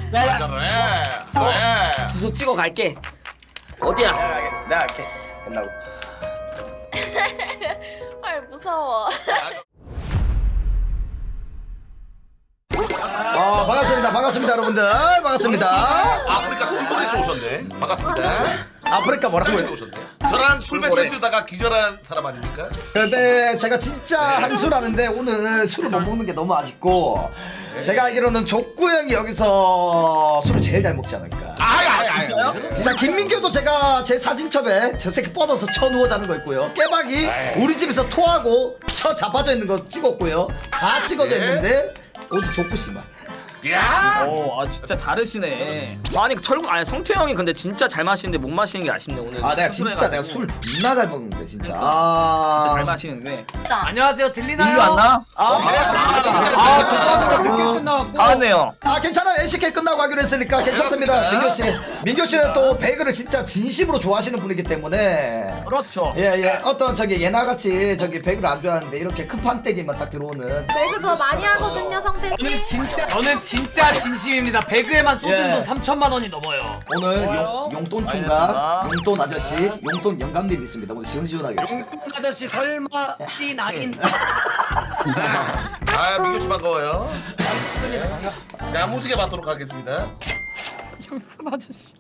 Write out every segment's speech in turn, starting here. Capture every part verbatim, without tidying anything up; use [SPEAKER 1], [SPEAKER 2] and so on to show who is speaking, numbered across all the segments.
[SPEAKER 1] 야,
[SPEAKER 2] 그래. 그래.
[SPEAKER 1] 주소 찍어 갈게. 어디야?
[SPEAKER 3] 내가 할게. 내가 할게. 끝나고.
[SPEAKER 4] 헐 무서워.
[SPEAKER 3] 아 반갑습니다. 반갑습니다 여러분들. 반갑습니다.
[SPEAKER 2] 아프리카 술고래에서 오셨네. 반갑습니다.
[SPEAKER 3] 아프리카 뭐라고
[SPEAKER 2] 술고래에서
[SPEAKER 3] 해?
[SPEAKER 2] 오셨네. 저랑 술 배틀 뜨다가 기절한 사람 아닙니까?
[SPEAKER 3] 근데 제가 진짜 한술 하는데 오늘 술을 못 먹는 게 너무 아쉽고 제가 알기로는 족구 형이 여기서 술을 제일 잘 먹지 않을까.
[SPEAKER 2] 아이 아이 아이.
[SPEAKER 3] 자 김민규도 제가 제 사진첩에 저 새끼 뻗어서 쳐 누워 자는 거 있고요. 깨박이 우리 집에서 토하고 쳐 자빠져 있는 거 찍었고요. 다 찍어져 있는데 오늘 족구 씨만.
[SPEAKER 2] 야.
[SPEAKER 1] 오, 아 진짜 다르시네. 아니 철구 아니 성태 형이 근데 진짜 잘 마시는데 못 마시는 게 아쉽네 오늘.
[SPEAKER 3] 아 내가
[SPEAKER 1] 수술해가지고.
[SPEAKER 3] 진짜 내가 술 존나 잘 먹는데 진짜.
[SPEAKER 1] 진짜
[SPEAKER 3] 아
[SPEAKER 1] 잘 마시는데.
[SPEAKER 5] 안녕하세요. 들리나요?
[SPEAKER 1] 민규 안 나?
[SPEAKER 3] 아,
[SPEAKER 5] 아, 죄송합니다. 늦게 끝나왔고.
[SPEAKER 1] 알았네요.
[SPEAKER 3] 아 괜찮아요. 엘씨케이 끝나고 하기로 했으니까 괜찮습니다. 민규 씨. 민규 씨는 또 배그를 진짜 진심으로 좋아하시는 분이기 때문에.
[SPEAKER 1] 그렇죠.
[SPEAKER 3] 예예. 어떤 저기 예나 같이 저기 배그를 안 좋아하는데 이렇게 큰 판때기만 딱 들어오는.
[SPEAKER 4] 배그 저 많이 하거든요 성태 씨.
[SPEAKER 5] 진짜 저는 진짜 진심입니다. 배그에만 쏟은
[SPEAKER 3] 예.
[SPEAKER 5] 돈 삼천만 원이 넘어요.
[SPEAKER 3] 오늘
[SPEAKER 5] 뭐요?
[SPEAKER 3] 용, 용돈 총각, 용돈 아저씨, 용돈 영감님 있습니다. 오늘 시원시원하게 합시다.
[SPEAKER 5] 아저씨 설마 씨 낙인.
[SPEAKER 2] 아 민규 씨 반가워요. 야무지게 받도록 하겠습니다.
[SPEAKER 1] 아저씨.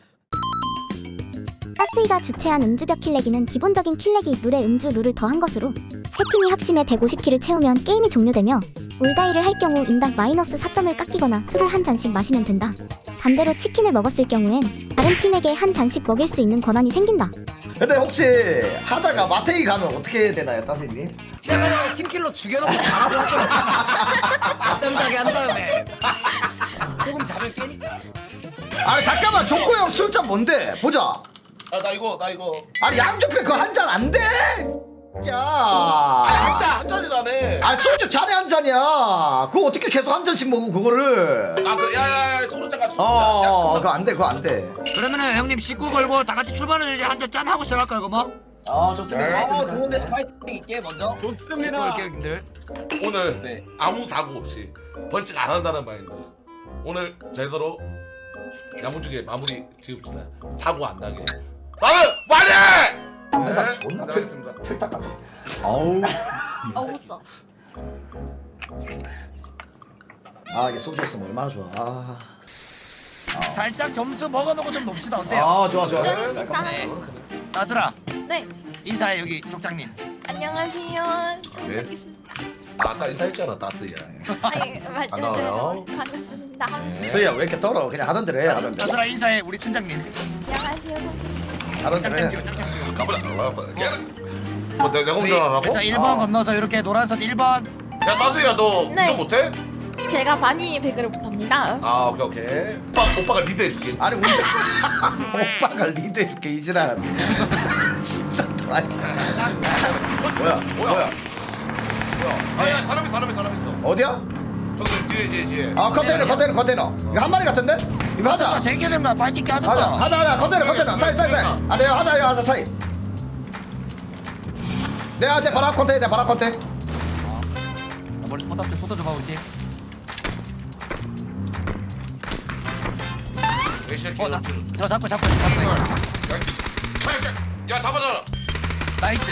[SPEAKER 6] 가스이가 주최한 음주벽 킬내기는 기본적인 킬내기 룰에 음주 룰을 더한 것으로 세 팀이 합심해 백오십 킬을 채우면 게임이 종료되며 올다이를 할 경우 인당 마이너스 사 점을 깎이거나 술을 한 잔씩 마시면 된다. 반대로 치킨을 먹었을 경우엔 다른 팀에게 한 잔씩 먹일 수 있는 권한이 생긴다.
[SPEAKER 3] 근데 혹시 하다가 마테이 가면 어떻게 되나요, 따스님?
[SPEAKER 5] 시작하자마자 팀킬로 죽여놓고 잘하고 낮잠 자게 한 다음에 조금 잠을 깨니까.
[SPEAKER 3] 아 잠깐만, 족구 형 술잔 뭔데? 보자.
[SPEAKER 2] 아 나 이거 나 이거.
[SPEAKER 3] 아니 양조표 그거 한 잔 안 돼. 야.
[SPEAKER 2] 아니 한잔한 잔이라며.
[SPEAKER 3] 아 소주 잔에 한 잔이야. 그거 어떻게 계속 한 잔씩 먹어 그거를?
[SPEAKER 2] 아그 야야야 소주잔 같이.
[SPEAKER 3] 어, 그거 안 돼, 그거 안 돼.
[SPEAKER 7] 그러면은 형님 식구 걸고 다 같이 출발을 이제 한잔 짠 하고 시작할까요, 그거 뭐?
[SPEAKER 3] 아 좋습니다.
[SPEAKER 1] 어
[SPEAKER 3] 좋습니다.
[SPEAKER 1] 좋은데 파이팅 있게 먼저.
[SPEAKER 7] 식구
[SPEAKER 1] 좋습니다.
[SPEAKER 7] 걸게요, 형님들.
[SPEAKER 2] 오늘
[SPEAKER 1] 네.
[SPEAKER 2] 아무 사고 없이 벌칙 안 한다는 마인드. 오늘 제대로 야무지게 마무리 지읍시다. 사고 안 나게. 나는 화이팅!
[SPEAKER 3] 회사
[SPEAKER 2] 네,
[SPEAKER 3] 존나 틀,
[SPEAKER 2] 알겠습니다.
[SPEAKER 3] 틀딱 같네. 아우.
[SPEAKER 4] 어우 써.
[SPEAKER 3] 아 이게 소주였으면 얼마나 좋아. 아,
[SPEAKER 7] 살짝 점수 먹어놓고 좀 놉시다, 어때요?
[SPEAKER 3] 아 좋아 좋아.
[SPEAKER 4] 인정입니다.
[SPEAKER 7] 따들아,
[SPEAKER 4] 네.
[SPEAKER 7] 인사해, 여기 족장님.
[SPEAKER 4] 안녕하세요.
[SPEAKER 2] 네.
[SPEAKER 4] 여기 있습니다.
[SPEAKER 2] 아, 아까 인사했잖아 따스야.
[SPEAKER 4] 아니 맞-
[SPEAKER 2] 반가워요.
[SPEAKER 4] 네, 반갑습니다.
[SPEAKER 2] 네.
[SPEAKER 3] 서희야 왜 이렇게 떨어? 그냥 하던 대로 해. 하던 대로.
[SPEAKER 7] 따들아, 인사해, 우리 춘장님.
[SPEAKER 4] 안녕하세요 성태.
[SPEAKER 3] 하던 대로 해.
[SPEAKER 7] 짱짱 짱짱.
[SPEAKER 2] 가보자. 알았어. 뭐 내- 내가
[SPEAKER 7] 우리
[SPEAKER 2] 운전 안 하고?
[SPEAKER 7] 일단 일 번
[SPEAKER 3] 아.
[SPEAKER 7] 건너서 이렇게 노란선 일 번.
[SPEAKER 2] 야 따스야 너
[SPEAKER 4] 네.
[SPEAKER 2] 운전 못해?
[SPEAKER 4] 제가 많이 배그를 못합니다.
[SPEAKER 2] 아 오케이 오케이. 오빠 오빠가 리드해줄게.
[SPEAKER 3] 아니 우리 오빠가 리드해줄게 이지랄. 진짜 도라이. 뭐야?
[SPEAKER 2] 뭐야? 뭐야? 아야 사람이 사람이 사람 있어.
[SPEAKER 3] 어디야?
[SPEAKER 2] 저기 뒤에 뒤에 뒤에.
[SPEAKER 3] 아 컨테이너 컨테이너 컨테이너. 이거 한 마리 같은데? 이거
[SPEAKER 7] 아,
[SPEAKER 3] 하자.
[SPEAKER 7] 제기는가 발짓기
[SPEAKER 3] 하자
[SPEAKER 7] 하던가.
[SPEAKER 3] 하자 하자 컨테이너 컨테이너 사이 사이 사이. 아 내가 하자 이거 하자 사이. 내가 내 바람 컨테이너 내 바람 컨테이너.
[SPEAKER 7] 머리 포탑 좀 쏟아줘봐, 우리 팀.
[SPEAKER 2] 이 새끼.
[SPEAKER 7] 어, 나, 저 잡고 잡고 잡고.
[SPEAKER 2] 야 잡아줘.
[SPEAKER 7] 나이스.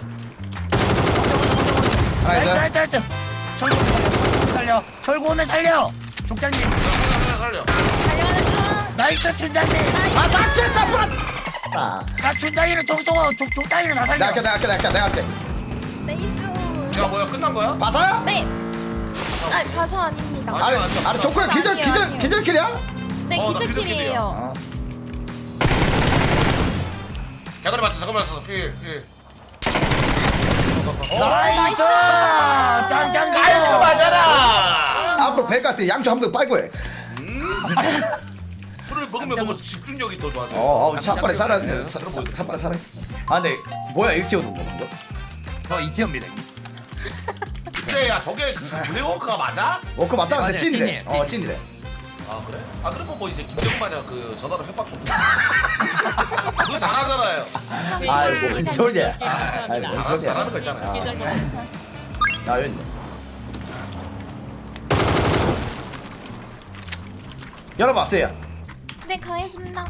[SPEAKER 3] 하나
[SPEAKER 7] 나이스,
[SPEAKER 3] 이제.
[SPEAKER 7] 나이스, 나이스. 철구 살려. 철구 오면 살려. 족장님.
[SPEAKER 2] 살려 살려.
[SPEAKER 4] 달려가는
[SPEAKER 7] 나이스, 춘장님.
[SPEAKER 3] 아 닥칠 사프라. 아.
[SPEAKER 7] 나 춘장이는 종송아, 족 족장이는 나 살려.
[SPEAKER 3] 내가 할게 내가 할게 내가 할게 내가 할게.
[SPEAKER 4] 중. 네이스.
[SPEAKER 2] 야 뭐야 끝난 거야?
[SPEAKER 3] 마사야?
[SPEAKER 4] 네. 아니 봐서 아닙니다.
[SPEAKER 2] 아니,
[SPEAKER 3] 아니
[SPEAKER 2] 아니,
[SPEAKER 3] 아니 조커야 기절
[SPEAKER 4] 아니에요,
[SPEAKER 3] 기절
[SPEAKER 4] 아니에요.
[SPEAKER 3] 기절킬이야?
[SPEAKER 4] 네
[SPEAKER 2] 어, 나
[SPEAKER 4] 기적길이에요.
[SPEAKER 3] 아.
[SPEAKER 2] 잠깐만 맞춰 잠깐만 맞춰. 필 필.
[SPEAKER 7] 나이스. 짱짱.
[SPEAKER 2] 깔끔하잖아.
[SPEAKER 3] 앞으로 뵐 것 같아. 양주 한 번 빨고 해.
[SPEAKER 2] 술을 먹으면 먹을수록 집중력이 더 좋아져.
[SPEAKER 3] 어, 어, 차빨리 살아.
[SPEAKER 2] 네,
[SPEAKER 3] 사-
[SPEAKER 2] 그럼 뭐
[SPEAKER 3] 차빨리 살아. 아, 근데 뭐야 일티어 놓은 거 방금?
[SPEAKER 7] 저 이티어입니다.
[SPEAKER 2] 그래 야 저게 블랙워크가 맞아?
[SPEAKER 3] 어, 그거 맞다.
[SPEAKER 7] 네,
[SPEAKER 3] 근데
[SPEAKER 7] 맞아요.
[SPEAKER 3] 찐이래.
[SPEAKER 7] 찐이에요,
[SPEAKER 3] 어,
[SPEAKER 7] 찐.
[SPEAKER 3] 찐이래.
[SPEAKER 2] 아 그래? 아 그러면 뭐 이제 김정 마냥 그 전화로 협박 좀. 그거 잘하잖아요.
[SPEAKER 3] 아이, 뭔 소리야. 아이, 뭔
[SPEAKER 2] 아,
[SPEAKER 3] 소리야.
[SPEAKER 2] 잘하는 거 있잖아.
[SPEAKER 3] 아, 여기 있네. 열어봤어요.
[SPEAKER 4] 네, 가겠습니다.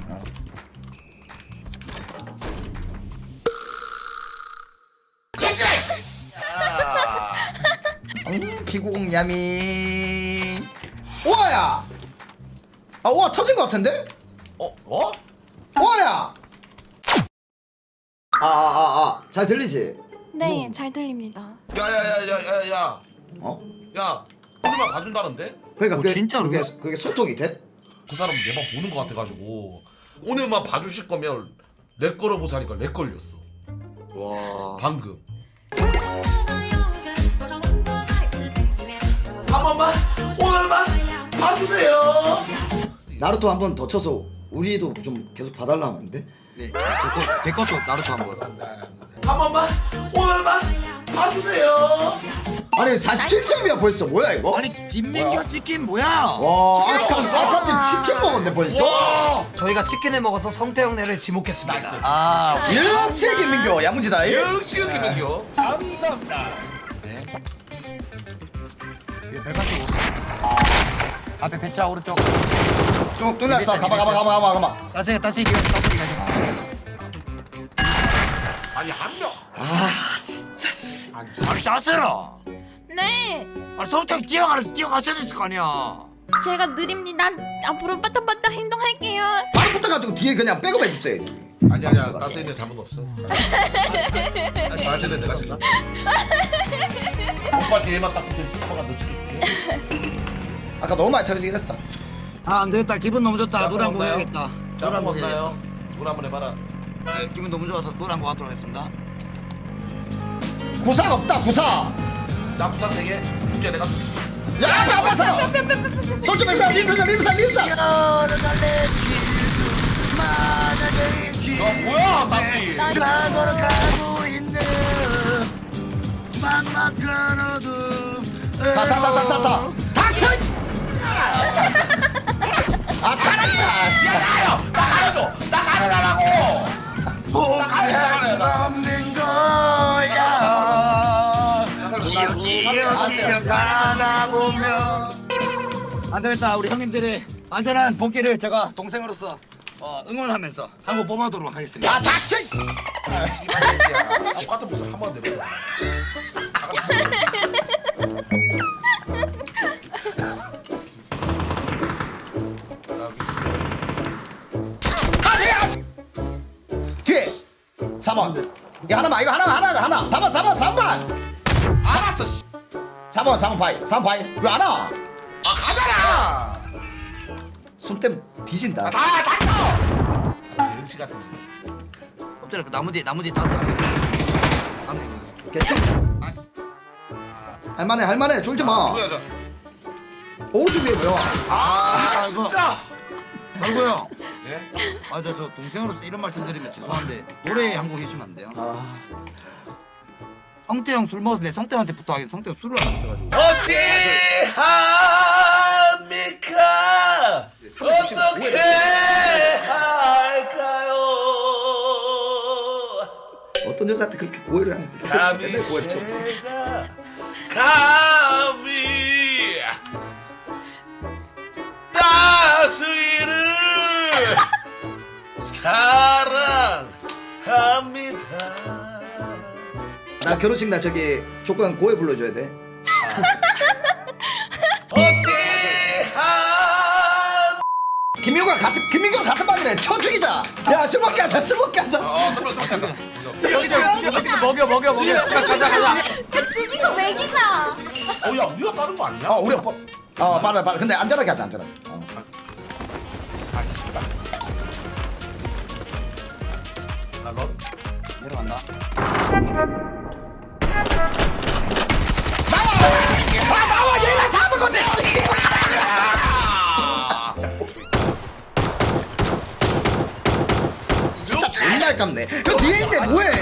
[SPEAKER 3] 음, 피구공 야미. 우와야. 아 우와 터진 것 같은데?
[SPEAKER 2] 어? 어?
[SPEAKER 3] 우와야. 아 아 아 잘 들리지?
[SPEAKER 4] 네, 잘 들립니다.
[SPEAKER 2] 야야야야야야
[SPEAKER 3] 어?
[SPEAKER 2] 야 우리만 봐준다는데?
[SPEAKER 3] 그러니까
[SPEAKER 7] 어,
[SPEAKER 3] 그게
[SPEAKER 7] 진짜로?
[SPEAKER 3] 그게, 그게 소통이 돼?
[SPEAKER 2] 그 사람 내 방 보는 거 같아가지고 오늘만 봐주실 거면 내 거로 보자니까 내 걸렸어
[SPEAKER 7] 와.
[SPEAKER 2] 방금 한 번만 오늘만 봐주세요.
[SPEAKER 3] 나루토 한 번 더 쳐서 우리도 좀 계속 봐달라면 안 돼?
[SPEAKER 7] 네. 제, 제 것도 나루토 한 번.
[SPEAKER 2] 한 번만 오늘만 봐주세요.
[SPEAKER 3] 아니 사십칠 점이야 벌써 뭐야 이거?
[SPEAKER 7] 아니 빈민규 치킨 뭐야?
[SPEAKER 3] 와 아까 아까 치킨 먹었네 벌써?
[SPEAKER 2] 와
[SPEAKER 5] 저희가 치킨을 먹어서 성태형네를 지목했습니다.
[SPEAKER 7] 아.
[SPEAKER 3] 역시 김민교 야무지다 이.
[SPEAKER 2] 역시 김민규.
[SPEAKER 7] 네. 예, 별파트 오른쪽. 앞에 배차 오른쪽.
[SPEAKER 3] 쭉 뚫렸어 가봐 가봐 가봐 가봐 가봐.
[SPEAKER 7] 따스히 따스히 기가 따스히 기가.
[SPEAKER 2] 아니 한명
[SPEAKER 7] 아니 따스라.
[SPEAKER 4] 네,
[SPEAKER 7] 아 성태 뛰어가라 뛰어갔어야 됐을 거 아니야.
[SPEAKER 4] 제가 느립니다. 앞으로 빠딱빠딱 행동할게요.
[SPEAKER 3] 바로 붙어가지고 뒤에 그냥 백업 해줬어야지.
[SPEAKER 2] 아니 아니야 따스이는 잘못 없어. 따스이는 내가 지금 오빠 뒤에만 딱 붙어 오빠가 너 찍을게.
[SPEAKER 3] 아까 너무 많이 쳐지긴 했다.
[SPEAKER 7] 아 안되겠다 기분 너무 좋다.
[SPEAKER 2] 자,
[SPEAKER 7] 노래 한곡
[SPEAKER 2] 없나요?
[SPEAKER 7] 해야겠다.
[SPEAKER 2] 자
[SPEAKER 7] 노래 한곡
[SPEAKER 2] 한번
[SPEAKER 7] 해야겠다.
[SPEAKER 2] 나요. 노래 한번 해봐라.
[SPEAKER 7] 네, 기분 너무 좋아서 노래 한곡 하도록 하겠습니다.
[SPEAKER 3] 구사 없다 구사.
[SPEAKER 2] 나 부산 세개 줄게 내가.
[SPEAKER 3] 야 앞에 앞에서. 손좀 해서 린스가 린스가 린스.
[SPEAKER 2] 저 뭐야 따스이.
[SPEAKER 7] 가고로 가고 있는 막막한 어둠.
[SPEAKER 3] 타타타타타타. 닥쳐. 아 타란다.
[SPEAKER 2] 나가요. 나가줘. 나가라고.
[SPEAKER 7] 포기할 수 없는 거야. 기억기억 가다 보면 안 되겠다. 우리 형님들의 안전한 복귀를 제가 동생으로서 어, 응원하면서 한번 뽑아도록 하겠습니다.
[SPEAKER 3] 아 닥쳐.
[SPEAKER 2] 아 씨발 새끼야. 똑같은 모습 한번 내보자.
[SPEAKER 3] 뒤에 사 번. 이거 하나만 이거 하나만 하나 하나. 사 번 사 번 사 번.
[SPEAKER 2] 알았어. 씨.
[SPEAKER 3] 사 번 사 번 파이 사 번 파이 왜 안 와?
[SPEAKER 2] 아 가잖아.
[SPEAKER 3] 손땜 뒤진다.
[SPEAKER 2] 다 닥쳐. 병신 같은.
[SPEAKER 7] 엎드려 그 나무 뒤에 나무 뒤에 따뜻 나무 뒤에
[SPEAKER 3] 괜찮?
[SPEAKER 2] 아 진짜.
[SPEAKER 3] 할만해 할만해 쫄지 마.
[SPEAKER 2] 뭐야 저.
[SPEAKER 3] 오른쪽 위에 뭐야?
[SPEAKER 2] 아
[SPEAKER 7] 아이고.
[SPEAKER 2] 진짜.
[SPEAKER 7] 아이고 형
[SPEAKER 2] 예?
[SPEAKER 7] 아, 저, 저 동생으로서 이런 말씀 드리면 죄송한데 노래 한 곡 해주시면 안 돼요?
[SPEAKER 3] 아
[SPEAKER 7] 성태 형 술 먹었는데 성태 형한테 부탁하기 성태 형 술을 안 마셔가지고
[SPEAKER 2] 어찌합니까? 어떻게 할까요?
[SPEAKER 3] 어떤 여자한테 그렇게 고해를 하는데
[SPEAKER 2] 감히
[SPEAKER 3] 맨날 고해쳐.
[SPEAKER 2] 제가 감히 따스이를 사랑합니다.
[SPEAKER 3] 나 결혼식 날 저기 조건 고해 불러줘야 돼.
[SPEAKER 2] 어찌합
[SPEAKER 3] 김민규랑 같은 김민규랑 같은 방이래. 쳐 죽이자. 야술 먹게 하자 술 먹게 하자.
[SPEAKER 2] 어 설마 설마 설마
[SPEAKER 5] 여기서 여기서 먹여 먹여 먹여. 가자 가자.
[SPEAKER 4] 야, 죽이고 먹이자.
[SPEAKER 2] 어야 우리가 빠른 거 아니야?
[SPEAKER 3] 어 우리 오빠. 어 빨라 빨라. 근데 안전하게 하자 안전하게. 어.
[SPEAKER 2] 아 씨발 나너
[SPEAKER 7] 내려간다
[SPEAKER 3] 아 나와 얘가 잡은 건데. 진짜 존나 아깝네. 그 뒤에 있는데 뭐해?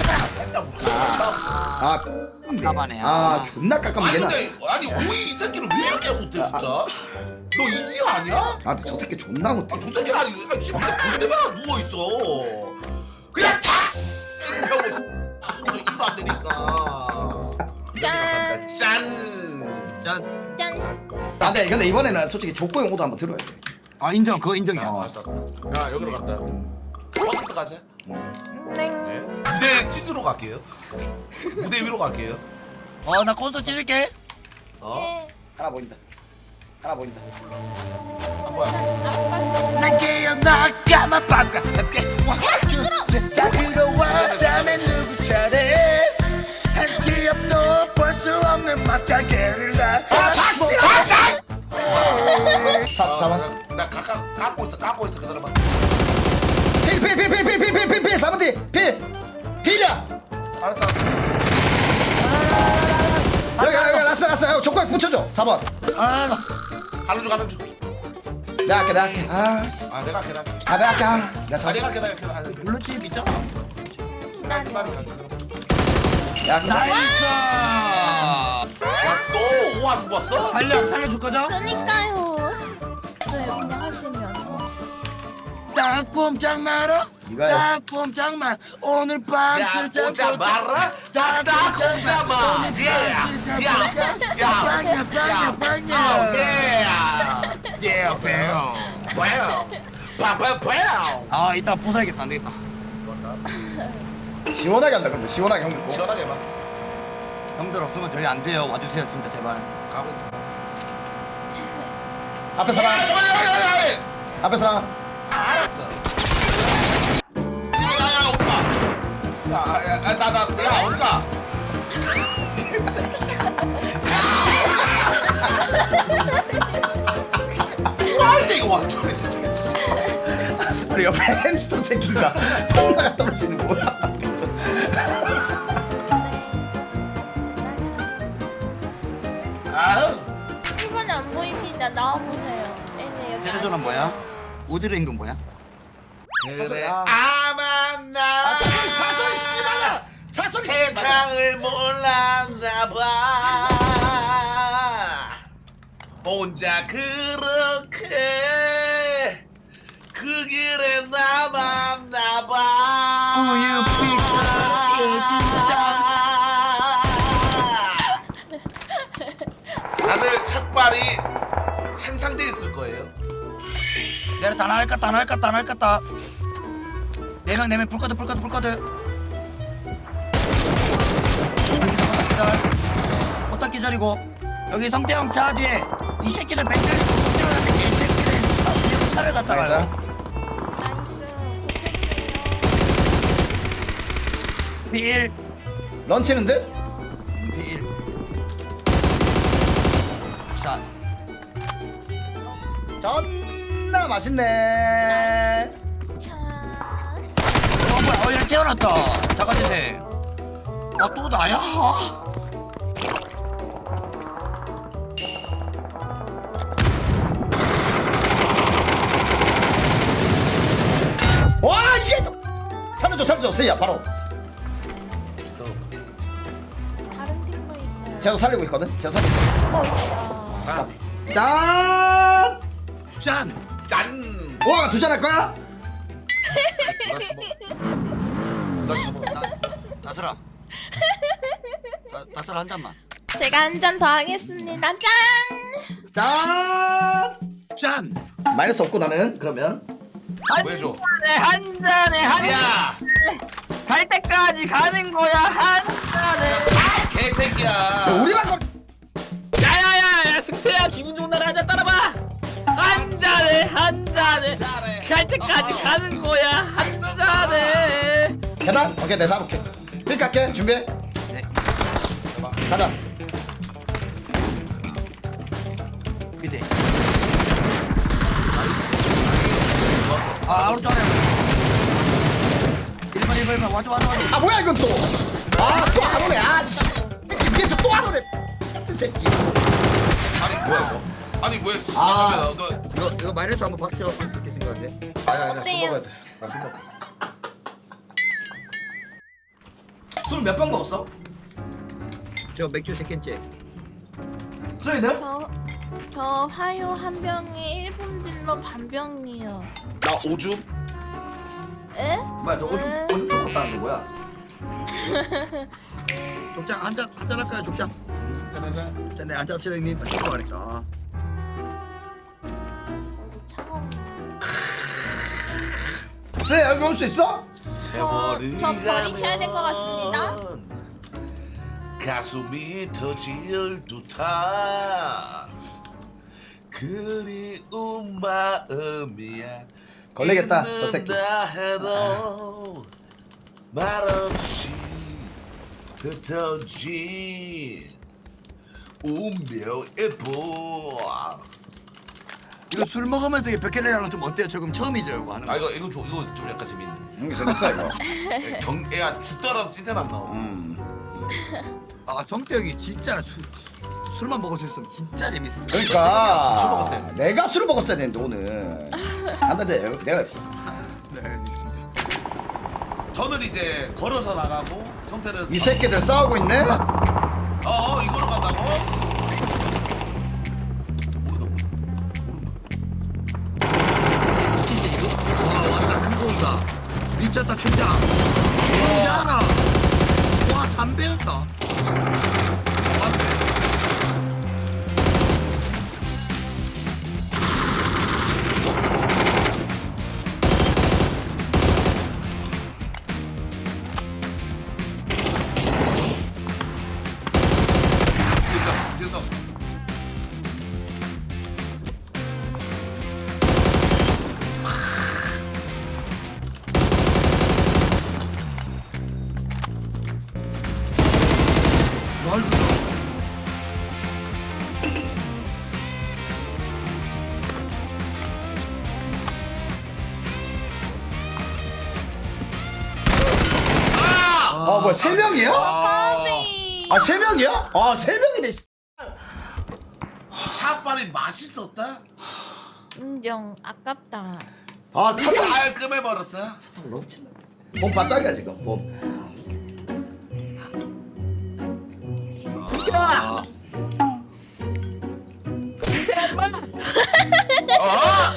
[SPEAKER 3] 아
[SPEAKER 7] 깜깜하네.
[SPEAKER 3] 아 존나 깎아면
[SPEAKER 2] 아니
[SPEAKER 3] 얘나.
[SPEAKER 2] 근데 아니 오이 이 새끼를 왜 이렇게 못해 진짜? 너 이디어 아니야?
[SPEAKER 3] 아 근데 저 새끼 존나 못해.
[SPEAKER 2] 아두 새끼 아니 아 지금 볼 때마다 누워 있어. 그냥 탁 하고 입도 안 되니까.
[SPEAKER 4] 짠.
[SPEAKER 2] 짠.
[SPEAKER 7] 짠
[SPEAKER 4] 짠.
[SPEAKER 3] 아 근데 근데 이번에는 솔직히 족보용 오도 한번 들어야 돼.
[SPEAKER 7] 아 인정 그거 인정이야.
[SPEAKER 2] 아, 알았어 알았어. 야 여기로 간다. 버스트 가자.
[SPEAKER 4] 네.
[SPEAKER 2] 네. 무대 찢으러 갈게요. 무대 위로 갈게요.
[SPEAKER 7] 어나 콘서트 찍을게.
[SPEAKER 2] 어?
[SPEAKER 4] 네.
[SPEAKER 3] 하나 보인다. 하나 보인다.
[SPEAKER 2] 한번.
[SPEAKER 7] 난 기억나 까만 밤과 함께 다 들어왔다면 누구 차례 한치 앞도 볼 수 없는 막장개를 가 박수 박수
[SPEAKER 3] 사 사번.
[SPEAKER 2] 나, 나 가까 갖고 있어 갖고 있어 그대로만.
[SPEAKER 3] 필필필필필필필필 사번 뒤 필. 필이야.
[SPEAKER 2] 알았어 알았어.
[SPEAKER 3] 여기 여기 라스 라스 여기 조건 붙여줘. 사 번.
[SPEAKER 7] 아
[SPEAKER 2] 가는 중 가는 중.
[SPEAKER 3] 내가 할게 내가 할게. 아,
[SPEAKER 2] 아 내가 할게 내가 할게.
[SPEAKER 3] 아 내가 할게. 아, 내가
[SPEAKER 2] 아
[SPEAKER 3] 잘.
[SPEAKER 2] 내가 할게 내가 할게 내가 할게.
[SPEAKER 7] 블루칩 있잖아.
[SPEAKER 2] 내가 할게 빨리 갈게.
[SPEAKER 3] 내가 할게.
[SPEAKER 7] 나이스.
[SPEAKER 2] 야또 우와 죽었어?
[SPEAKER 7] 살려 살려줄 거죠?
[SPEAKER 4] 그니까요. 네, 그냥 하시면.
[SPEAKER 7] 딱 꼼짝 마라.
[SPEAKER 3] 이거야.
[SPEAKER 7] 딱 꼼짝 마. 오늘 밤
[SPEAKER 2] 야
[SPEAKER 7] 진짜
[SPEAKER 2] 꼼짝 마라. 딱딱 꼼짝 마. 예야야야
[SPEAKER 7] 빵야 빵야 빵야.
[SPEAKER 2] 예.
[SPEAKER 7] 예 배요.
[SPEAKER 2] 와우. 파파파우.
[SPEAKER 7] 아 이따 부숴야겠다 안 되겠다.
[SPEAKER 3] 시원하게 한다 근데 시원하게 형 믿고.
[SPEAKER 2] 시원하게 해봐.
[SPEAKER 7] 형들 없으면 저희 안 돼요. 와주세요 진짜 제발.
[SPEAKER 2] 가고 있어.
[SPEAKER 3] 앞에 사람.
[SPEAKER 2] 야야야야.
[SPEAKER 3] 앞에 사람.
[SPEAKER 2] 알았어. 야야 온다. 야야나나야 온다. 와인데 이거 완전 진짜.
[SPEAKER 3] 우리 옆에 햄스터 새끼가 ton나가 떨어지는 뭐야?
[SPEAKER 2] 아유.
[SPEAKER 4] 일 번이 안 보입니다. 나와보세요. 네네, 여기.
[SPEAKER 7] 헤드전은 뭐야? 우드의 임금 뭐야?
[SPEAKER 2] 그래
[SPEAKER 3] 아.
[SPEAKER 2] 아만 나
[SPEAKER 3] 사소리 씨발아! 사소리
[SPEAKER 2] 세상을 몰랐나봐 혼자 그렇게 그 길에 남았나봐
[SPEAKER 7] 우유
[SPEAKER 2] 다들 착발이 향상돼 있을 거예요.
[SPEAKER 7] 내가 다 나갈까 다 나갈까 다 나갈까 네명 네명 불꺼드 불꺼드 불꺼드 꽃딱 기다리고 여기 성태형 차 뒤에 이 새끼들 백들 들어갔는데 개새끼들 이 차를 갖다가요
[SPEAKER 4] 나이스.
[SPEAKER 7] 비일
[SPEAKER 3] 런치는 듯?
[SPEAKER 7] 비일 자
[SPEAKER 3] 존나 맛있네.
[SPEAKER 4] 자.
[SPEAKER 7] 어 뭐야 어 얘 태어났다 자가제세 아또 나야?
[SPEAKER 3] 와 이게 또- 살려줘 살려줘 세이야 바로.
[SPEAKER 2] 있어.
[SPEAKER 4] 다른 팀도 있어요.
[SPEAKER 3] 제가 살리고 있거든. 제가 살리고.
[SPEAKER 4] 어, 야.
[SPEAKER 2] 아,
[SPEAKER 3] 짠!
[SPEAKER 7] 짠!
[SPEAKER 2] 짠.
[SPEAKER 3] 와 두 잔 할 거야?
[SPEAKER 2] 누가 쳐먹?
[SPEAKER 7] 다슬아 다- 다슬아 한 잔만
[SPEAKER 4] 제가 한 잔 더 하겠습니다. 짠!
[SPEAKER 3] 짠!
[SPEAKER 7] 짠!
[SPEAKER 3] 마이너스 없고 나는 그러면
[SPEAKER 2] 왜 줘?
[SPEAKER 5] 한 잔에 한
[SPEAKER 2] 야,
[SPEAKER 5] 갈 때까지 가는 거야 한 잔에.
[SPEAKER 2] 개새끼야.
[SPEAKER 3] 우리만 거.
[SPEAKER 1] 야야야 승태야 기분 좋은 날 한잔 따라봐. 한 잔에 한 잔에
[SPEAKER 2] 잘해.
[SPEAKER 1] 갈 때까지 가는 거야 한 잔에.
[SPEAKER 3] 계단? 오케이 내가 잡을게. 필 깎게 준비해.
[SPEAKER 7] 네
[SPEAKER 3] 가자.
[SPEAKER 7] 미대 아 오른쪽 아래 일 번 일 번 일 번 와줘 와줘 와줘
[SPEAKER 3] 아 뭐야 이건 또. 아또 안 오네. 아 씨. 위에서 또 안 오네. 같은 새끼.
[SPEAKER 2] 아니 뭐야 이거? 아니 왜?
[SPEAKER 3] 아.
[SPEAKER 2] 너, 너,
[SPEAKER 7] 이거 이거 마이너스 한번 박쳐 어떻게 생각하세요?
[SPEAKER 2] 아니 아니 술
[SPEAKER 4] 어때요?
[SPEAKER 2] 먹어야 돼. 나술 먹어.
[SPEAKER 3] 술 몇 병 먹었어?
[SPEAKER 7] 저 맥주 세 캔째
[SPEAKER 3] 수현이는?
[SPEAKER 4] 저, 저 화요 한 병에 일 분 딜러 반 병이요.
[SPEAKER 2] 나 오줌.
[SPEAKER 4] 에?
[SPEAKER 3] 뭐야 저 오줌 오줌 좀 먹었다는 거야?
[SPEAKER 7] 족장 한잔 한잔 할까요 족장?
[SPEAKER 2] 짜자잔.
[SPEAKER 7] 자, 네 한잔 합시다 형님. 아, 진짜 말했다.
[SPEAKER 4] 차가운
[SPEAKER 3] 네 여기 올 수 있어?
[SPEAKER 2] 세월이
[SPEAKER 4] 저 버리셔야 될 것 같습니다.
[SPEAKER 2] 가면 가슴이 터질 듯한 그리운 마음이야.
[SPEAKER 3] 걸리겠다, 저 새끼.
[SPEAKER 2] 잊는다 해도 말없이 흩어진 운명의 보.
[SPEAKER 7] 이거 술 먹으면서 이 백혈이랑 좀 어때요? 조금 처음이죠 이거 하는 거.
[SPEAKER 2] 아 이거 이거 좀 이거 좀 약간 재밌네.
[SPEAKER 3] 응 재밌어 이거.
[SPEAKER 2] 경 애가 죽더라도 찐텐 안 나와.
[SPEAKER 3] 음.
[SPEAKER 7] 아 성태형이 진짜 술, 술만 먹을 수 있으면 진짜 재밌어.
[SPEAKER 2] 술
[SPEAKER 3] 그러니까
[SPEAKER 2] 처먹었어야 돼.
[SPEAKER 3] 내가 술을 먹었어야 되는데 오늘. 안돼 내가
[SPEAKER 7] 네 알겠습니다.
[SPEAKER 2] 저는 이제 걸어서 나가고 성태는
[SPEAKER 3] 이 새끼들 싸우고 있네.
[SPEAKER 2] 어, 어 이거로 간다고? 모르다 모르다.
[SPEAKER 7] 진짜 이거? 와 왔다 한국이다. 미쳤다 춘장. 춘장아. 와 담배였다.
[SPEAKER 2] 맞네. 뒤에서, 뒤에서.
[SPEAKER 7] 넓다.
[SPEAKER 3] 아 뭐야 세 명이야?
[SPEAKER 2] 아,
[SPEAKER 3] 아 세 명이야? 아 세 명이네.
[SPEAKER 2] 샷발이 맛있었다?
[SPEAKER 4] 인정. 아깝다.
[SPEAKER 3] 아 차장
[SPEAKER 2] 깔끔해버렸다.
[SPEAKER 3] 몸 바짝이야 지금 몸.
[SPEAKER 7] 아,
[SPEAKER 2] 아!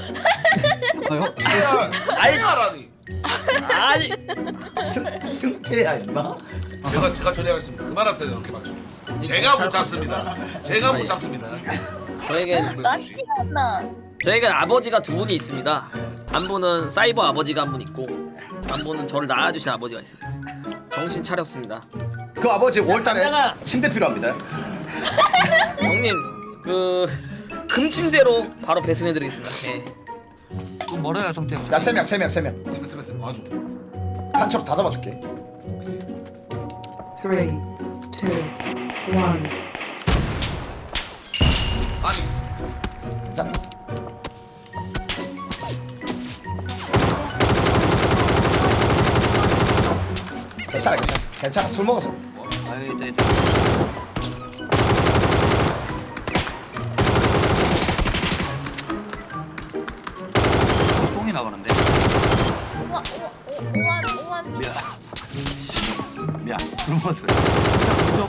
[SPEAKER 3] 아이
[SPEAKER 2] 하라니.
[SPEAKER 3] 아니 승 승태야 임마.
[SPEAKER 2] 제가 제가 처리하겠습니다. 그만하세요 이렇게 막. 제가 못 잡습니다. 제가 못 잡습니다.
[SPEAKER 1] 저에겐
[SPEAKER 4] 나
[SPEAKER 1] 저에겐 아버지가 두 분이 있습니다. 한 분은 사이버 아버지가 한 분 있고 한 분은 저를 낳아주신 아버지가 있습니다. 정신 차렸습니다.
[SPEAKER 3] 그 아버지 오월달에 침대 필요합니다.
[SPEAKER 1] 형님 그 금침대로 바로 배송해드리겠습니다. 예.
[SPEAKER 7] 좀 멀어요 성태형.
[SPEAKER 3] 야 세 명 세 명 세 명.
[SPEAKER 2] 세면 세면 세면 와줘.
[SPEAKER 3] 한초로 다 잡아줄게.
[SPEAKER 8] Three, two, one.
[SPEAKER 2] 아니
[SPEAKER 3] 자. 괜찮아 괜찮아 괜찮아 술 먹어서.
[SPEAKER 5] 아유 네.
[SPEAKER 7] 똥이 나가는데.
[SPEAKER 4] 우와 우와 우와 우와
[SPEAKER 7] 미안. 미안. 그런 것들. 그쪽.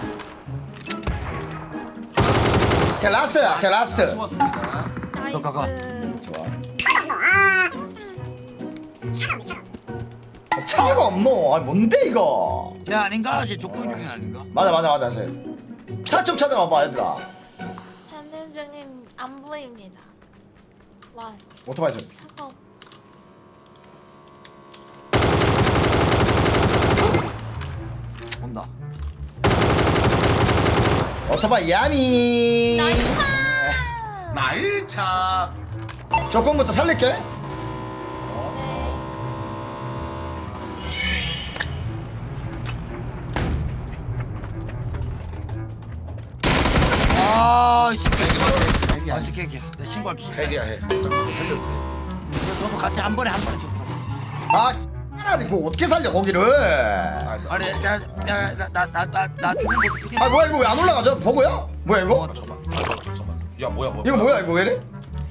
[SPEAKER 3] 걔 라스트야 걔 라스트.
[SPEAKER 2] 좋았습니다.
[SPEAKER 7] 너 가가.
[SPEAKER 4] 나이스.
[SPEAKER 3] 좋아. 차가 없노. 아 뭔데 이거?
[SPEAKER 7] 야 아닌가? 쟤 족구 중인 아닌가?
[SPEAKER 3] 맞아 맞아 맞아. 차 좀 찾아봐봐 얘들아.
[SPEAKER 4] 찾는 중인 안 보입니다. 와
[SPEAKER 3] 오토바이 좀.
[SPEAKER 4] 차가 없.
[SPEAKER 7] 온다.
[SPEAKER 3] 오토바이 야미.
[SPEAKER 4] 나이스.
[SPEAKER 2] 나이 차.
[SPEAKER 3] 조금부터 살릴게.
[SPEAKER 7] 아, 이 새끼.
[SPEAKER 2] 핵이야.
[SPEAKER 7] 아, 이 새끼, 새끼. 내 신고할게.
[SPEAKER 2] 핵이야 핵. 살렸어.
[SPEAKER 7] 서로 같이 한 번에 한 번에 좀.
[SPEAKER 3] 아 아니 그거 어떻게 살려 거기를?
[SPEAKER 2] 아, 나-
[SPEAKER 7] 아니, 야, 야, 나, 나, 나, 나, 나 죽은 거 어떻게?
[SPEAKER 3] 아 뭐야 이거 왜 안 올라가죠? 버거야? 뭐야 이거?
[SPEAKER 2] 아, 잠깐만. 아, 잠깐만. 잠깐만. 야 뭐야 뭐야.
[SPEAKER 3] 이거 뭐야 이거 왜 이래?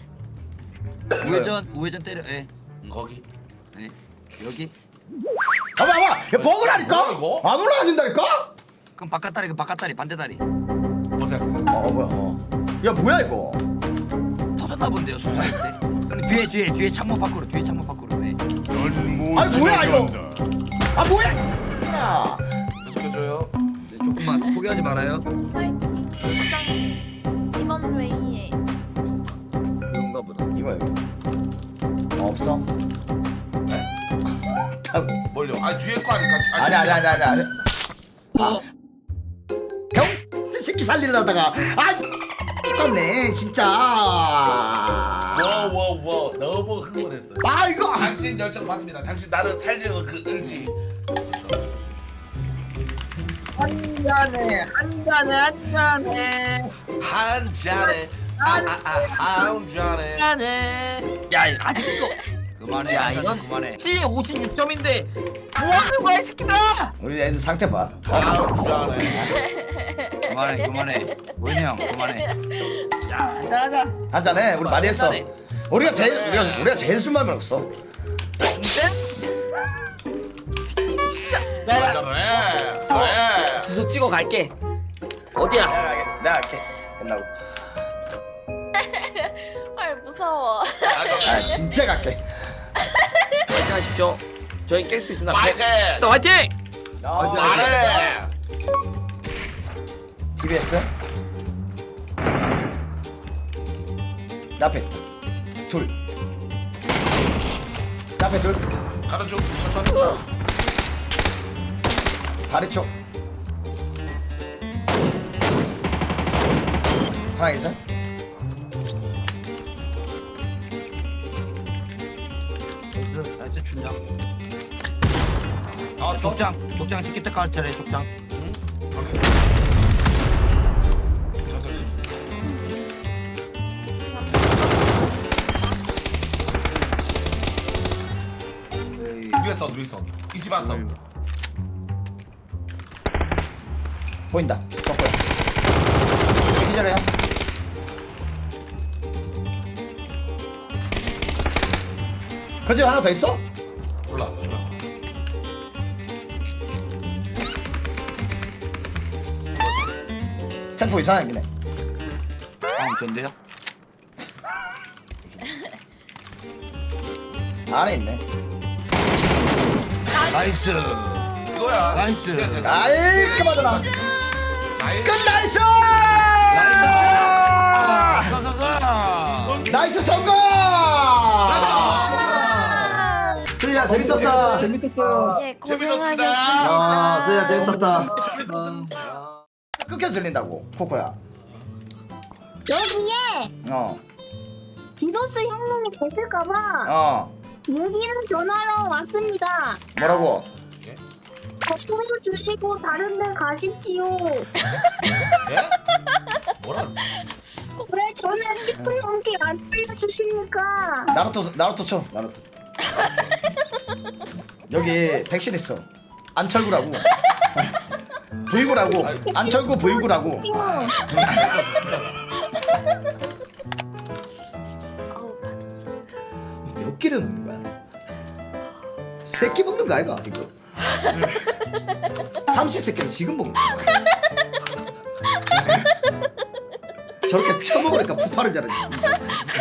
[SPEAKER 7] 우회전, 우회전 때려. 예,
[SPEAKER 2] 거기.
[SPEAKER 7] 예. 여기.
[SPEAKER 3] 봐봐 봐봐 야 버거라니까?
[SPEAKER 2] 뭐야, 이거?
[SPEAKER 3] 안 올라가진다니까?
[SPEAKER 7] 그럼 바깥 다리, 그 바깥 다리, 반대 다리.
[SPEAKER 2] 어떻게?
[SPEAKER 3] 어 뭐야 어. 야 뭐야 이거?
[SPEAKER 7] 터졌나 본데요, 수사할 때. 근데 뒤에, 뒤에, 뒤에 창문 밖으로, 뒤에 창문 밖으로. 네.
[SPEAKER 3] 아니 뭐야 이거? 아 뭐야? 야.
[SPEAKER 2] 계속해줘요.
[SPEAKER 7] 네, 조금만 포기하지 말아요.
[SPEAKER 4] 파이팅. 일단 이번 웨이에
[SPEAKER 7] 그런가 보다.
[SPEAKER 3] 이거 이거 어, 없어? 네? 사고.
[SPEAKER 2] 뭘요? 아 뒤에 거 아닐까?
[SPEAKER 3] 아니 아니 아니 아니 아니. 아. 병 새끼 살리려다가 아 똑같네 진짜.
[SPEAKER 2] 워워워 너무 흥분했어.
[SPEAKER 3] 아 이거
[SPEAKER 2] 당신 열정 봤습니다. 당신 나를 살리는 그 의지.
[SPEAKER 5] 한 잔에 한 잔에 한 잔에
[SPEAKER 2] 한 잔에 아아한 잔에.
[SPEAKER 5] 잔에 야 이거 아직 이거
[SPEAKER 7] 그만해.
[SPEAKER 5] 야,
[SPEAKER 7] 한 잔
[SPEAKER 5] 이건-
[SPEAKER 7] 그만해.
[SPEAKER 5] 피 오십육 점인데 뭐하는 거야 이 새끼들아.
[SPEAKER 3] 우리 애들 상태 봐.
[SPEAKER 2] 한 잔에.
[SPEAKER 7] 그만해. 그만해. 원이 형 그만해.
[SPEAKER 5] 야 한잔하자.
[SPEAKER 3] 한잔해 우리 많이 했어.
[SPEAKER 5] 한잔해.
[SPEAKER 3] 우리가 제일 우리가 우리가 제일 술만 없어.
[SPEAKER 5] 진짜? 야, 야,
[SPEAKER 2] 그래. 그래.
[SPEAKER 1] 주소 찍어 갈게. 어디야?
[SPEAKER 3] 내가 할게. 내가 할게. 끝나고.
[SPEAKER 4] 헐 무서워.
[SPEAKER 3] 아 진짜 갈게.
[SPEAKER 1] 화이팅 하십시오. 저희 깰 수 있습니다.
[SPEAKER 2] 파이팅!
[SPEAKER 1] 자, 화이팅!
[SPEAKER 2] 잘해.
[SPEAKER 3] 티비에스. 나 앞에 둘. 나 앞에 둘.
[SPEAKER 2] 가는 중. 천천히.
[SPEAKER 3] 다리 쪽. 하나 있어?
[SPEAKER 7] 나 이제 준다.
[SPEAKER 2] 나왔어?
[SPEAKER 7] 독장. 독장 티켓 깔 차례 독장.
[SPEAKER 2] 천천히. 위에 선 위에 선. 이십한 선.
[SPEAKER 3] 보인다. 덕구야. 기절해요. 그 집 하나 더 있어?
[SPEAKER 2] 몰라. 몰라.
[SPEAKER 3] 템포 이상하긴 해.
[SPEAKER 7] 다음 전데요.
[SPEAKER 3] 안에 있네.
[SPEAKER 7] 나이스.
[SPEAKER 2] 이거야.
[SPEAKER 7] 나이스.
[SPEAKER 3] 깔끔하잖아.
[SPEAKER 2] 나이스.
[SPEAKER 3] 끝 나이스!
[SPEAKER 7] 가가가.
[SPEAKER 3] 나이스 성공! 수희야 재밌었다. 재밌었어요.
[SPEAKER 4] 예
[SPEAKER 2] 재밌었습니다.
[SPEAKER 4] 고생하셨습니다.
[SPEAKER 3] 아 수희야 재밌었다. 끊겨 들린다고 코코야.
[SPEAKER 6] 여기에
[SPEAKER 3] 어
[SPEAKER 6] 디도스 형님이 계실까봐
[SPEAKER 3] 어.
[SPEAKER 6] 무기를 전하러 왔습니다.
[SPEAKER 3] 뭐라고?
[SPEAKER 6] 거꾸로 주시고 다른 데 가십시오.
[SPEAKER 2] 예? 뭐라?
[SPEAKER 6] 왜 저는 십 분 넘게 안 빌려주십니까?
[SPEAKER 3] 나루토 나루토 쳐 나루토. 여기 백신 있어. 안철구라고. 브이구라고. 안철구 브이구라고.
[SPEAKER 4] 아우 맛없어.
[SPEAKER 3] 몇 끼를 먹는 거야? 세 끼 먹는 거 아이가 지금? 삼시세끼를 지금 먹는 거야. 저렇게 처먹으니까 폭발을 잘하지.